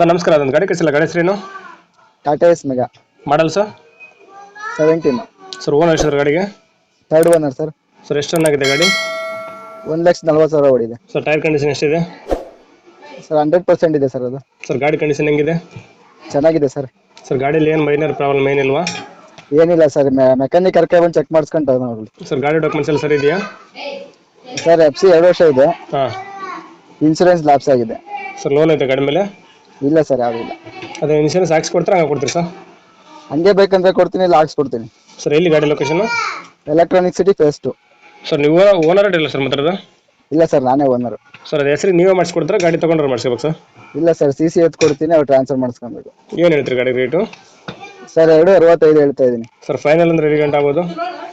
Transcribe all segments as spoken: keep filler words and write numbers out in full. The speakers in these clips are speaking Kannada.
ಸರ್ ನಮಸ್ಕಾರ, ಅದೊಂದು ಗಾಡಿ ಕಳಿಸಿಲ್ಲ, ಗಾಡಿ ಹೆಸರೇನು? Tata ace mega model sir? Seventeen sir owner ಎಷ್ಟು ಸರ್ ಗಾಡಿಗೆ? Third owner sir. ಸರ್ ಎಷ್ಟು ರನ್ ಆಗಿದೆ ಗಾಡಿ? ಒಂದು ಲಕ್ಷ ನಲ್ವತ್ತು ಸಾವಿರ ಓಡಿದೆ ಸರ್. ಟೈರ್ ಕಂಡೀಷನ್ ಎಷ್ಟಿದೆ ಸರ್? ಹಂಡ್ರೆಡ್ ಪರ್ಸೆಂಟ್ ಇದೆ ಸರ್. ಅದು ಸರ್ ಗಾಡಿ ಕಂಡೀಷನ್ ಹೆಂಗಿದೆ? ಚೆನ್ನಾಗಿದೆ ಸರ್. ಸರ್ ಗಾಡಿಯಲ್ಲಿ ಏನು ಮೈನರ್ ಪ್ರಾಬ್ಲಮ್ ಏನಿಲ್ವಾ? ಏನಿಲ್ಲ ಸರ್, ಮೆಕ್ಯಾನಿಕ್ ಕರ್ಕೊಂಡು ಬಂದು ಚೆಕ್ ಮಾಡಿಸ್ಕೊಂತ ನೋಡಿ. ಸರ್ ಗಾಡಿ ಡಾಕ್ಯುಮೆಂಟ್ಸ್ ಎಲ್ಲ ಸರಿ ಇದೆಯಾ? ಸರ್ ಎಫ್ ಸಿ ಎರಡು ವರ್ಷ ಇದೆ. ಹಾಂ. ಇನ್ಸೂರೆನ್ಸ್ ಲ್ಯಾಪ್ಸ್ ಆಗಿದೆ. ಸರ್ ಲೋನ್ ಐತೆ ಗಾಡಿ ಮೇಲೆ? ಇಲ್ಲ ಸರ್, ಯಾವುದಿಲ್ಲ. ಅದೇ ಇನ್ಶೂರೆನ್ಸ್ ಹಾಕ್ಸಿ ಕೊಡ್ತಾರೆ, ಹಂಗೆ ಕೊಡ್ತೀರಿ ಸರ್? ಹಂಗೆ ಬೇಕಂದ್ರೆ ಕೊಡ್ತೀನಿ, ಇಲ್ಲ ಹಾಕ್ಸ್ಕೊಡ್ತೀನಿ. ಸರ್ ಎಲ್ಲಿ ಗಾಡಿ location? Electronic city phase two. Sir ನೀವು ಓನರ್ ಇಲ್ಲ ಸರ್ ಮಾತಾಡೋದು? ಇಲ್ಲ ಸರ್, ನಾನೇ ಓನರು. ಸರ್ ಅದು ಹೆಸರು ನೀವೇ ಮಾಡಿಸ್ಕೊಡ್ತಾರೆ, ಗಾಡಿ ತೊಗೊಂಡ್ರೆ ಮಾಡಿಸ್ಕೋಬೇಕು ಸರ್? ಇಲ್ಲ ಸರ್, ಸಿ ಸಿ ಎತ್ ಕೊಡ್ತೀನಿ, ಅವ್ರು ಟ್ರಾನ್ಸ್ಫರ್ ಮಾಡಿಸ್ಕೊಬೇಕು. ಏನು ಹೇಳ್ತೀರಿ ಗಾಡಿ ರೇಟು? ಸರ್ ಎರಡು ಅರವತ್ತೈದು ಹೇಳ್ತಾ ಇದ್ದೀನಿ. ಸರ್ ಫೈನಲ್ ಅಂದ್ರೆ ಎಷ್ಟು ಗಂಟೆ ಆಗ್ಬೋದು?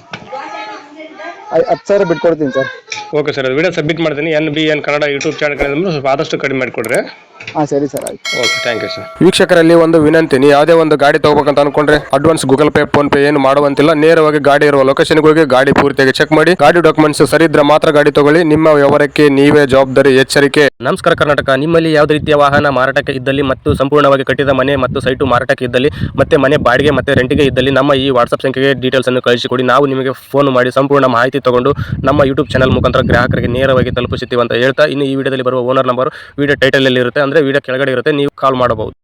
ಹತ್ತು ಸಾವಿರ ಬಿಟ್ಕೊಡ್ತೀನಿ ಸರ್. ಓಕೆ ಸರ್, ಅದು ವಿಡಿಯೋ ಸಬ್ಮಿಟ್ ಮಾಡ್ತೀನಿ. N B N Kannada YouTube channel ಕಡೆ ಸ್ವಲ್ಪ ಆದಷ್ಟು ಕಡಿಮೆ ಮಾಡಿಕೊಡ್ರಿ. ಹಾಂ ಸರಿ ಸರ್, ಆಯ್ತು. Okay, thank you sir. ವೀಕ್ಷಕರಲ್ಲಿ ಒಂದು ವಿನಂತಿ, ನೀವು ಯಾವುದೇ ಒಂದು ಗಾಡಿ ತಗೋಬೇಕಂತ ಅನ್ಕೊಂಡ್ರೆ advance Google Pay PhonePe ಏನು ಮಾಡುವಂತಿಲ್ಲ. ನೇರವಾಗಿ ಗಾಡಿ ಇರುವ ಲೊಕೇಶನ್ಗೆ ಹೋಗಿ ಗಾಡಿ ಪೂರ್ತಿಯಾಗಿ ಚೆಕ್ ಮಾಡಿ, ಗಾಡಿ ಡಾಕ್ಯುಮೆಂಟ್ಸ್ ಸರಿ ಇದ್ರೆ ಮಾತ್ರ ಗಾಡಿ ತಗೊಳ್ಳಿ. ನಿಮ್ಮ ವ್ಯವಹಾರಕ್ಕೆ ನೀವೇ ಜವಾಬ್ದಾರಿ. ಎಚ್ಚರಿಕೆ. ನಮಸ್ಕಾರ ಕರ್ನಾಟಕ. ನಿಮ್ಮಲ್ಲಿ ಯಾವುದೇ ರೀತಿಯ ವಾಹನ ಮಾರಾಟಕ್ಕೆ ಇದ್ದಲ್ಲಿ ಮತ್ತು ಸಂಪೂರ್ಣವಾಗಿ ಕಟ್ಟಿದ ಮನೆ ಮತ್ತು ಸೈಟು ಮಾರಾಟಕ್ಕೆ ಇದ್ದಲ್ಲಿ ಮತ್ತೆ ಮನೆ ಬಾಡಿಗೆ ಮತ್ತೆ ರೆಂಟಿಗೆ ಇದ್ದಲ್ಲಿ ನಮ್ಮ ಈ ವಾಟ್ಸ್ಆಪ್ ಸಂಖ್ಯೆಗೆ ಡೀಟೇಲ್ಸ್ ಅನ್ನು ಕಳಿಸಿಕೊಡಿ. ನಾವು ನಿಮಗೆ ಫೋನ್ ಮಾಡಿ ಸಂಪೂರ್ಣ ಮಾಹಿತಿ ತಗೊಂಡು ನಮ್ಮ ಯೂಟ್ಯೂಬ್ ಚಾನಲ್ ಮುಖಾಂತರ ಗ್ರಾಹಕರಿಗೆ ನೇರವಾಗಿ ತಲುಪಿಸುತ್ತೀವಿ ಅಂತ ಹೇಳ್ತಾ, ಇನ್ನು ಈ ವಿಡಿಯೋದಲ್ಲಿ ಬರುವ ಓನರ್ ನಂಬರ್ ವಿಡಿಯೋ ಟೈಟಲ್ ಅಲ್ಲಿ ಇರುತ್ತೆ, ಅಂದ್ರೆ ವಿಡಿಯೋ ಕೆಳಗಡೆ ಇರುತ್ತೆ, ನೀವು ಕಾಲ್ ಮಾಡಬಹುದು.